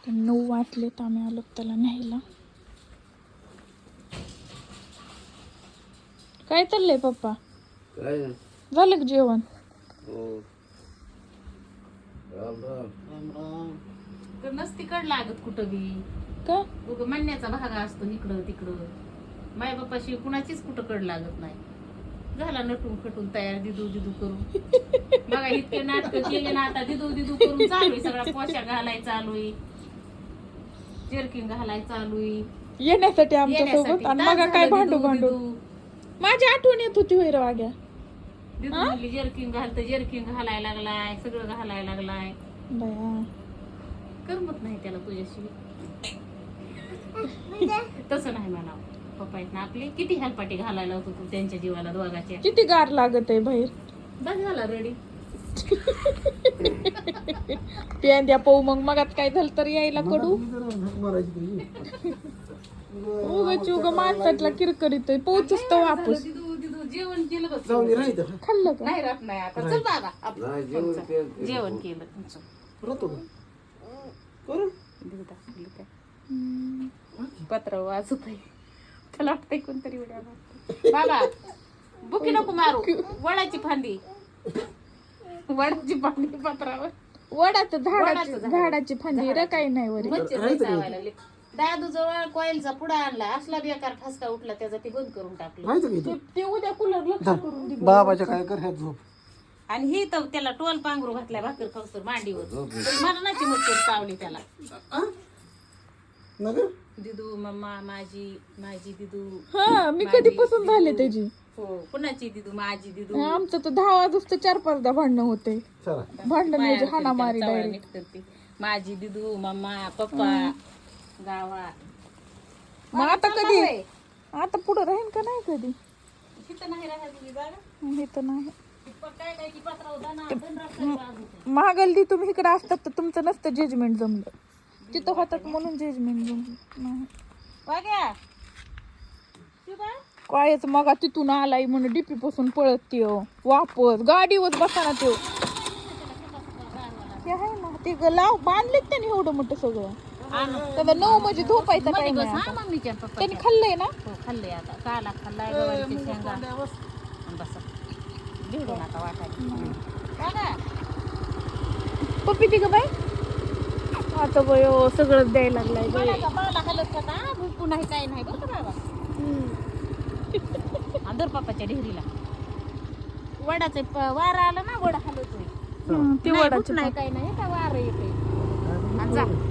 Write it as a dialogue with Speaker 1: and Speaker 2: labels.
Speaker 1: 9 वाजले तर आम्ही आलो त्याला न्यायला. काय चाललंय पप्पा?
Speaker 2: काय
Speaker 1: झालं का जेवण?
Speaker 2: हो राम राम
Speaker 3: राम राम.
Speaker 4: तर नसती कड लागत कुठं बी
Speaker 1: का?
Speaker 4: उग म्हणण्याचा भाग असतो इकडं तिकडं. माय बापाशी कुणाचीच कुठं कड लागत नाही. झाला नटून खटून तयार दिदू दिदू करून. बघा इतके नाटक केले ना आता दिदू दिदू करून चालू आहे. सगळा पोशाख घालाय चालू आहे, जर्किंग घालाय चालू आहे
Speaker 1: येण्यासाठी आमच्या सोबत.
Speaker 4: येण्यासाठी.
Speaker 1: आणि
Speaker 4: तास
Speaker 1: मग काय
Speaker 4: झालं
Speaker 1: भांडू
Speaker 4: दिदू
Speaker 1: भांडू
Speaker 4: दिदू.
Speaker 1: माझी आठवण येत होती होय रे वाग्या.
Speaker 4: दिदू म्हणली जर्किंग घालतं, जर्किंग घालायला लागलाय, सगळं घालायला लागलाय.
Speaker 1: बया
Speaker 4: करमत नाही त्याला तुझ्याशी. तसं नाही म्हणावं. पप्पा आहेत ना आपले किती हेलपाटी घालायला होतो तू त्यांच्या जीवाला दोघाच्या.
Speaker 1: किती गार लागत आहे बाहेर.
Speaker 4: बस झाला रेडी.
Speaker 1: प्यान पाहू मग मगात काय झालं तर यायला कडू.
Speaker 3: मी जरा झक मारायची तरी.
Speaker 1: उगच उग माणसातला किरकिरीत पोहोचच तर वापस.
Speaker 4: दिदू दिदू जेवण केलं बघ.
Speaker 3: जाऊन राहायचं
Speaker 1: खाल्लं का?
Speaker 4: नाही राहत नाही आता. चल बाबा आपण
Speaker 2: नाही जेवण
Speaker 4: चल.
Speaker 2: केलं.
Speaker 4: जेवण केलं. चल.
Speaker 3: राहतो का करू
Speaker 4: दिदू दाखवलं काय पत्र वाचत आहे. त्याला वाटतंय कोणतरी उड्या मारतंय. बाबा बुकी नको मारू. वडाची फांदी, वडाची फांदी पत्रावर.
Speaker 1: वडाचं झाडाची
Speaker 4: वडाचं झाड.
Speaker 1: झाडाची फांदी रे काही नाही वरी.
Speaker 4: मच्छर लई चावायला लागले. दादू जवळ कॉईलचा पुडा आणला. असला बेकार ठसका उठला त्याचा ते बंद करून टाकलं.
Speaker 3: राहायचं का इथं?
Speaker 1: ते उद्या कूलरला करून दे.
Speaker 3: बाबाच्या काय कर ह्यात झोप.
Speaker 4: आणि ही तर त्याला टोल पांघरू घातलाय भाकर खाऊसर मांडीवर. तरी मरणाची मच्छर चावली त्याला.
Speaker 3: ना गं?
Speaker 4: दिदू मम्मा माझी माझी दिदू.
Speaker 1: हा मी कधीपासून झाले त्याची.
Speaker 4: हो कुणाची दिदू माझी दिदू.
Speaker 1: आमचं तर 10 वाजता 4-5दा भांडणं होते.
Speaker 3: चला
Speaker 1: भांडण म्हणजे हाणामारी
Speaker 4: चावळा
Speaker 1: डायरेक्ट.
Speaker 4: नीट करते. माझी दिदू मम्मा पप्पा गावा.
Speaker 1: मग आता कधी आता पुढे राहीन का नाही कधी.
Speaker 4: तिथं नाही राहत ही जागा.
Speaker 1: हे तर नाही.
Speaker 4: काय काय की पत्रावर दण रस्त्यावर वाजवते.
Speaker 1: महागल दी तुम्ही इकडे असतात तर तुमचं नसतं जजमेंट जमलं. तिथं होतात म्हणून जजमेंट जमलं नाही.
Speaker 4: वाग्या शिवा
Speaker 1: कायच मग तिथून आलाय म्हणून डीपी पासून पळत त्यो वापस गाडीवर बसाना त्यो. ते आहे ना ते लाव बांधलेत त्यांनी एवढं मोठं सगळं. त्याला 9 म्हणजे झोपायचं काय
Speaker 4: बस
Speaker 1: नाही
Speaker 4: हा
Speaker 1: आता.
Speaker 4: मम्मीच्या पप्पा.
Speaker 1: त्यांनी खाल्लंय ना.
Speaker 4: हो खाल्लंय आता. काला खाल्लाय गवारीची शेंगा. बस भिडू नका वाटायला.
Speaker 1: पप्पी ती ग बाई आता बयो सगळं द्यायला लागलाय बाई.
Speaker 4: कोणाचा पावला हलत होता भुकू नाही काय नाही बरं का बाबा. अंदर पप्पाच्या ढेरीला वडाचे वारा आला ना वडा हलतोय.
Speaker 1: ते
Speaker 4: नाही,
Speaker 1: वडाचे
Speaker 4: भूक नाही काय नाही का वारं येते. आणि जा